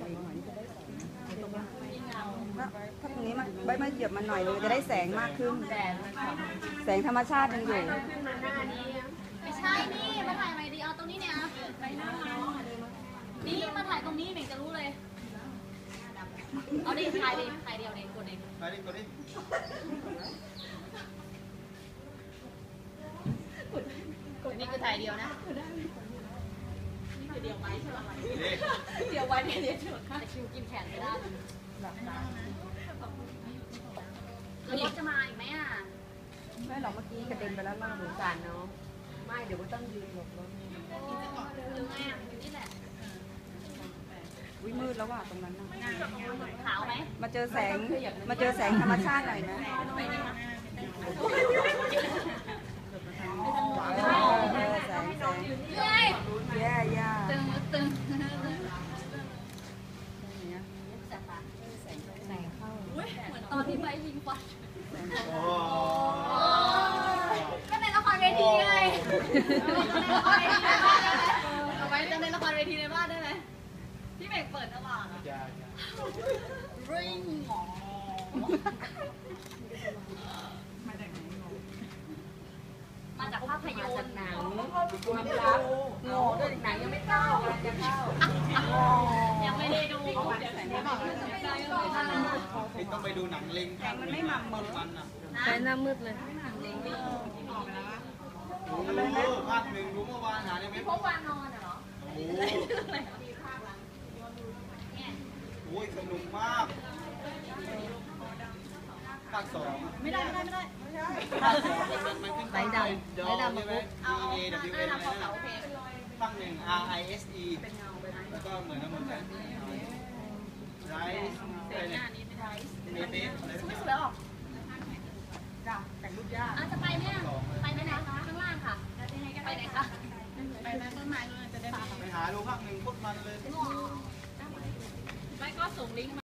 ถ้าตรงนี้มันใบมาเหยียบมันหน่อยเลยจะได้แสงมากขึ้นแสงธรรมชาติยังอยู่ไม่ใช่นี่มาถ่ายไหมดีเอาตรงนี้เนี่ยไปหน้านี่มาถ่ายตรงนี้เหม่งจะรู้เลยเอาดิถ่ายดิถ่ายเดียวเองกดเองไปดิกดดินี่คือถ่ายเดียวนะนี่คือเดียวไว้ใช่ไหมเดียวไว้เนี่ยเดียวเฉยแต่คิวกินแขนไม่ได้รถจะมาอีกไหมอ่ะไม่หรอกเมื่อกี้กระเด็นไปแล้วล่างหนูสารเนาะไม่เดี๋ยวต้องยืนหลบรถหรือไงอ่ะนี่แหละวิมืดแล้วว่ะตรงนั้นนะขาวไหมมาเจอแสงธรรมชาติหน่อยไหมแสงแย่ตึงแสงเข้าเหมือนตอนที่ไปยิงฟันก็ในละครเวทีไงเอาไว้จะในละครเวทีในบ้านได้ไหมที่เบกเปิดระหว่างอะริงหมอมาจากภาพยนตร์หนังความรักโง่ด้วยหนังยังไม่เข้ากำลังจะเข้ายังไม่ได้ดูต้องไปดูหนังเล็งมันไม่หม่ำเหมือนใช้หน้ามืดเลยภาคหนึ่งดูเมื่อวานหาได้ไหมพบวานอนเหรอโอ้ยสนุกมากภาคสองไม่ได้ภาคสองมันขึ้นไปดำใช่ไหม DAWN ภาคหนึ่ง RISE แล้วก็เหมือนกันหมดเลยRise อะไรเนี่ยเมเทสอะไรสวยออกแต่งรูปยากจะไปไหมไปไหมคะข้างล่างค่ะไปไหนคะไปไหนต้นไม้เลยจะได้ไปหาดูภาคหนึ่งพุทธมันเลยไม่ก็ส่งลิงก์